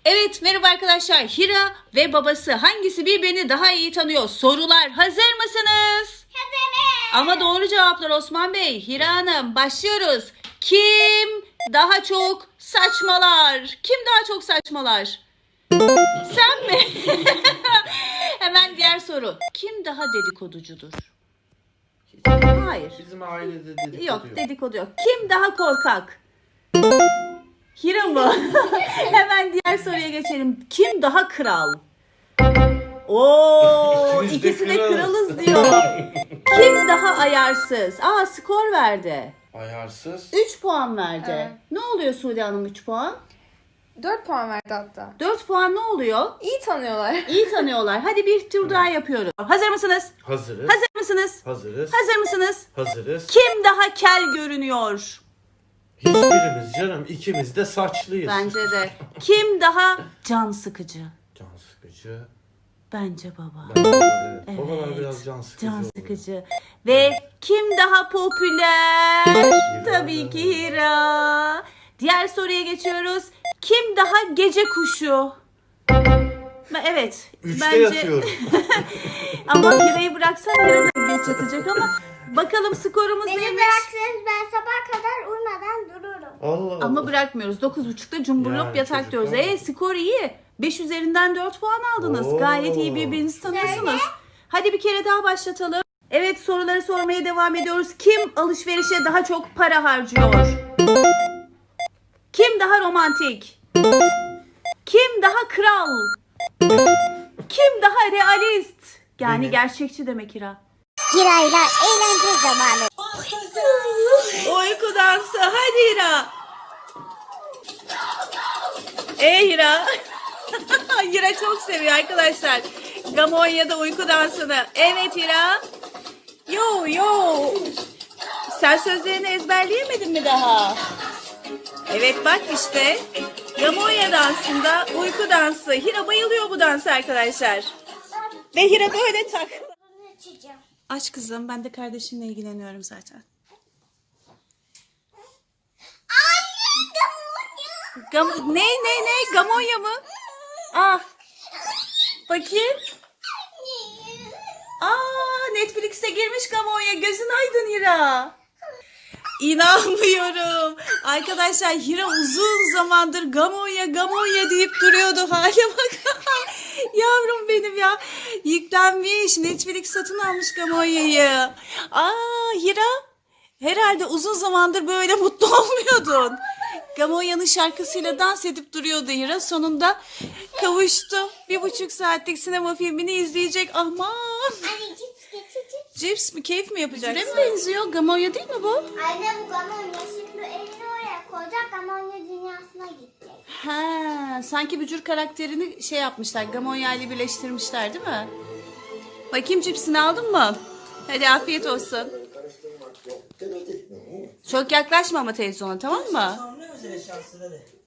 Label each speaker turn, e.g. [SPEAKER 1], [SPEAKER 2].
[SPEAKER 1] Evet, merhaba arkadaşlar. Hira ve babası hangisi birbirini daha iyi tanıyor? Sorular hazır mısınız?
[SPEAKER 2] Hazırım.
[SPEAKER 1] Ama doğru cevaplar Osman Bey. Hira Hanım, başlıyoruz. Kim daha çok saçmalar? Kim daha çok saçmalar? Sen mi? Hemen diğer soru. Kim daha dedikoducudur? Hayır.
[SPEAKER 3] Bizim ailede dedikodu
[SPEAKER 1] Yok, dedikodu yok. Kim daha korkak? Hira mı? Hemen diğer soruya geçelim. Kim daha kral? Oo,
[SPEAKER 3] İkimiz de
[SPEAKER 1] ikisi de
[SPEAKER 3] kralız.
[SPEAKER 1] kralız diyor. Kim daha ayarsız? Aa, skor verdi.
[SPEAKER 3] Ayarsız.
[SPEAKER 1] 3 puan verdi.
[SPEAKER 2] Evet.
[SPEAKER 1] Ne oluyor Sude Hanım 3 puan?
[SPEAKER 2] 4 puan verdi hatta.
[SPEAKER 1] 4 puan ne oluyor?
[SPEAKER 2] İyi tanıyorlar.
[SPEAKER 1] İyi tanıyorlar. Hadi bir tur daha yapıyoruz. Hazır mısınız?
[SPEAKER 3] Hazırız.
[SPEAKER 1] Hazır mısınız?
[SPEAKER 3] Hazırız.
[SPEAKER 1] Hazır mısınız?
[SPEAKER 3] Hazırız.
[SPEAKER 1] Kim daha kel görünüyor?
[SPEAKER 3] Hiçbirimiz canım, ikimiz de saçlıyız.
[SPEAKER 1] Bence de. Kim daha can sıkıcı?
[SPEAKER 3] Can sıkıcı.
[SPEAKER 1] Bence baba.
[SPEAKER 3] Ben evet.
[SPEAKER 1] Evet,
[SPEAKER 3] Babalar biraz can sıkıcı.
[SPEAKER 1] Can
[SPEAKER 3] oluyor.
[SPEAKER 1] sıkıcı. Ve kim daha popüler? Tabii ki Hira. Diğer soruya geçiyoruz. Kim daha gece kuşu? Evet.
[SPEAKER 3] Üçte yatıyorum.
[SPEAKER 1] Ama Hira'yı bıraksan Hira da geç yatacak ama bakalım skorumuz
[SPEAKER 2] Beni
[SPEAKER 1] neymiş?
[SPEAKER 2] bıraksanız ben sabah kadar uyumadan dururum.
[SPEAKER 3] Allah Allah.
[SPEAKER 1] Ama bırakmıyoruz. 9.30'da cumburlop
[SPEAKER 3] Yani
[SPEAKER 1] yatak diyoruz.
[SPEAKER 3] çocuklar.
[SPEAKER 1] Skor iyi. 5 üzerinden 4 puan aldınız.
[SPEAKER 3] Oo.
[SPEAKER 1] Gayet iyi, birbirinizi tanıyorsunuz. Hadi bir kere daha başlatalım. Evet, soruları sormaya devam ediyoruz. Kim alışverişe daha çok para harcıyor? Kim daha romantik? Kim daha kral? Kim daha realist? Yani
[SPEAKER 3] Benim.
[SPEAKER 1] gerçekçi demek Hira.
[SPEAKER 2] Hira'yla eğlence zamanı.
[SPEAKER 1] Uyku dansı. Hadi Hira. Hira. Hira çok seviyor arkadaşlar. Gamonya'da uyku dansını. Evet Hira. Yo yo. Sen sözlerini ezberleyemedin mi daha? Evet bak işte. Gamonya dansında uyku dansı. Hira bayılıyor bu dansa arkadaşlar. Ve Hira böyle tak.
[SPEAKER 2] Açacağım.
[SPEAKER 1] Aç kızım, ben de kardeşimle ilgileniyorum zaten. Ne? Gamonya mı? Ah. Bakayım. Netflix'e girmiş Gamonya. Gözün aydın Hira. İnanmıyorum. Arkadaşlar Hira uzun zamandır Gamonya deyip duruyordu. Hale bak. Yavrum benim ya. Yüklenmiş. Netflix satın almış Gamonya'yı. Hira. Herhalde uzun zamandır böyle mutlu olmuyordun. Gamonya'nın şarkısıyla dans edip duruyordu Hira. Sonunda kavuştu. 1,5 saatlik sinema filmini izleyecek. Aman.
[SPEAKER 2] Anne cips getir cips.
[SPEAKER 1] Cips mi? Keyif mi yapacaksın? Süre mi benziyor? Gamonya değil mi bu?
[SPEAKER 2] Anne bu Gamonya şimdi elini oraya koyacak. Gamonya dünyasına gidecek.
[SPEAKER 1] Ha, sanki bücür karakterini şey yapmışlar. Gamonya ile birleştirmişler değil mi? Bakayım, cipsini aldın mı? Hadi afiyet olsun. Çok yaklaşma ama televizyona, tamam mı?